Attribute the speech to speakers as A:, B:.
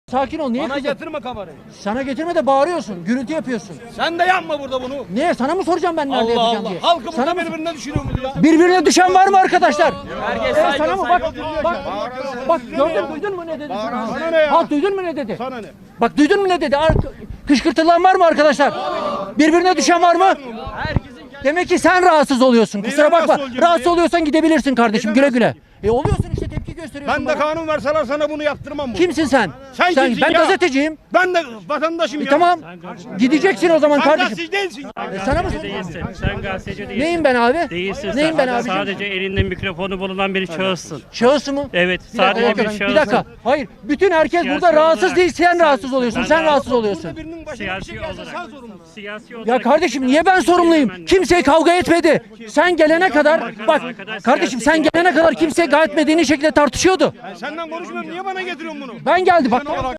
A: Sakin ol. Niye
B: Bana
A: kızıyorsun?
B: getirme kamerayı.
A: Sana getirme de bağırıyorsun. Gürültü yapıyorsun.
B: Sen de yapma burada bunu.
A: Niye? Sana mı soracağım ben nerede
B: Allah
A: yapacağım
B: Allah.
A: diye?
B: Halkı
A: Sana
B: burada
A: mı?
B: birbirine düşürüyor mu ya?
A: Birbirine düşen var mı arkadaşlar?
B: Herkes
A: Sana mı? Bak gördün, duydun mu ne dedi sana?
B: Sana ne ya?
A: Halk duydun mu ne dedi?
B: Sana ne?
A: Bak duydun mu ne dedi? Kışkırtılan var mı arkadaşlar? Birbirine düşen var mı? Demek ki sen rahatsız oluyorsun. Kusura
B: Neyden
A: bakma.
B: rahatsız olacağım
A: Rahatsız
B: ya?
A: oluyorsan gidebilirsin kardeşim.
B: Neyden
A: Güle güle. Oluyorsun işte, tepki gösteriyorsun
B: Ben de
A: bana.
B: kanun verseler sana bunu yaptırmam bu.
A: Kimsin sen?
B: Sen kimsin
A: Ben
B: ya?
A: gazeteciyim.
B: Ben de vatandaşım ya.
A: Tamam. Gideceksin o zaman
B: Sen
A: kardeşim.
B: gazeteci değilsin.
A: Sana mı
C: Değilsin. Sen gazeteci değilsin.
A: Neyim ben abi?
C: Değilsin.
A: Neyim ben
C: sen.
A: abicim?
C: Sadece elinde mikrofonu bulunan bir şahıssın.
A: Şahıs mı?
C: Evet.
A: Bir dakika,
C: Sadece bir
A: bir
C: şahıs.
A: dakika. Hayır. Bütün herkes
C: Siyasi
A: burada rahatsız
C: olarak-
A: değil. Sen rahatsız
C: sen-
A: oluyorsun.
C: ben
A: Sen
C: rahatsız-
A: rahatsız oluyorsun.
B: Burada birinin başına bir
C: Siyasi
B: şey gelse
C: olarak.
B: sen sorumlusun.
C: Siyasi olarak.
A: Ya kardeşim niye ben sorumluyum? Kimseye kavga etmedi. Sen gelene kadar bak kardeşim, sen gelene kadar kimse gayet medeni şekilde tartışıyordu.
B: Ben senden konuşmuyorum. Niye bana getiriyorsun bunu?
A: Ben geldi bak.